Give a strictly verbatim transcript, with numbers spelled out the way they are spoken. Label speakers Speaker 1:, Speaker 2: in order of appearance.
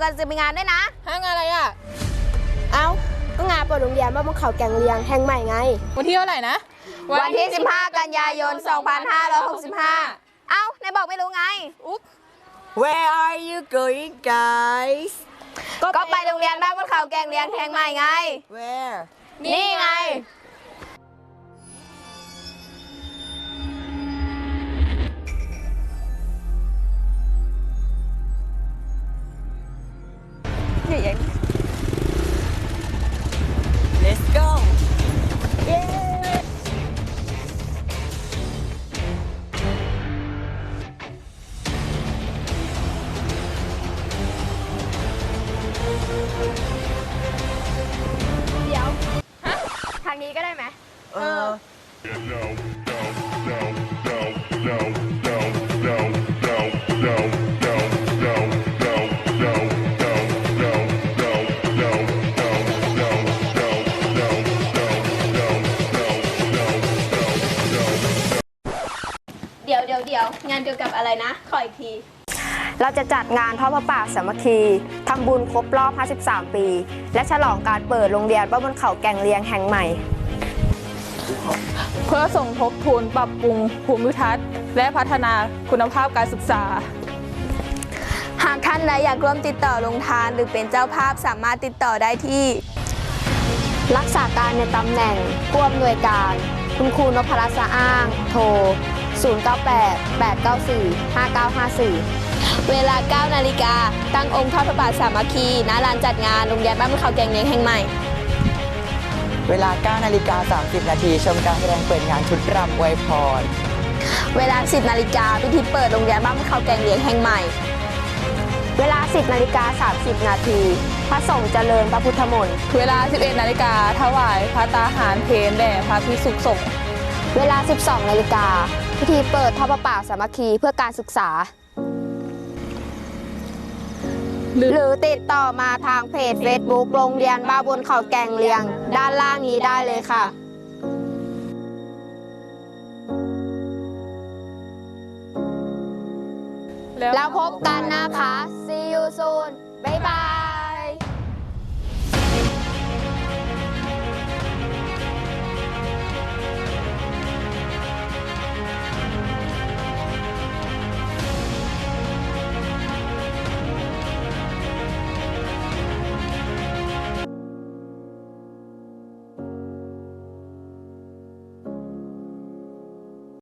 Speaker 1: กันจะมีงานด้วยนะ
Speaker 2: ฮะงานอะไรอ่ะ
Speaker 3: เอ้าก็งานเปิดโรงเรียนบ้านบนเขาแกงเลียงแห่งใหม่ไง
Speaker 2: วันที่เท่าไหร่นะ
Speaker 1: วันที่สิบห้ากันยายนสองพันห้าร้อยหกสิบห้าเอ้าไหนบอกไม่รู้ไง
Speaker 2: อุ๊บ
Speaker 4: Where are you going guys
Speaker 1: ก็ไปโรงเรียนบ้านบนเขาแกงเลียงแห่งใหม่ไง
Speaker 4: Where
Speaker 1: นี่ไง
Speaker 4: Let's go
Speaker 3: เดี๋ยวทางนี้ก็ได้ไหม
Speaker 4: เออ
Speaker 1: เดี๋ยวเดี๋ยวเดี๋ยวงานเกี่ยวกับอะไรนะขออีกที
Speaker 3: เราจะจัดงานทอดพระป่าสามัคคีทำบุญครบรอบห้าสิบสามปีและฉลองการเปิดโรงเรียนบ้านบนเขาแกงเลียงแห่งใหม่
Speaker 2: เพื่อสมทบทุนปรับปรุงภูมิทัศน์และพัฒนาคุณภาพการศึกษา
Speaker 1: หากท่านใดอยากร่วมติดต่อลงทานหรือเป็นเจ้าภาพสามารถติดต่อได้ที่
Speaker 3: รักษาการในตำแหน่งผู้อำนวยการคุณครูนพรัตน์สะอ้างโทรศูนย์ เก้า แปด แปด เก้า สี่ ห้า เก้า ห้า สี่
Speaker 1: เวลาเก้านาฬิกาตั้งองค์ทอดพระบาทสามัคคีณลานจัดงานโรงเรียนบ้านบนเขาแกงเลียงแห่งใหม่
Speaker 4: เวลา เก้า นาฬิกา สามสิบ นาทีชมการแสดงเปิดงานชุดรำอวยพร
Speaker 1: เวลา สิบนาฬิกาพิธีเปิดโรงเรียนบ้านบนเขาแกงเลียงแห่งใหม่
Speaker 3: เวลา สิบนาฬิกาสามสิบ นาทีพระสงฆ์เจริญพระพุทธมนต์
Speaker 2: เวลา สิบเอ็ดนาฬิกาถวายพระตาหารเพลแด่พระภิกษุสงฆ์
Speaker 3: เวลา สิบสอง นาฬิกาพิธีเปิดทอดพระป่าสามัคคีเพื่อการศึกษาหรือติดต่อมาทางเพจ Facebook โรงเรียนบ้านบนเขาแกงเลียงด้านล่างนี้ได้เลยค่ะแล้วพบกันนะคะ See you soon บ๊ายบาย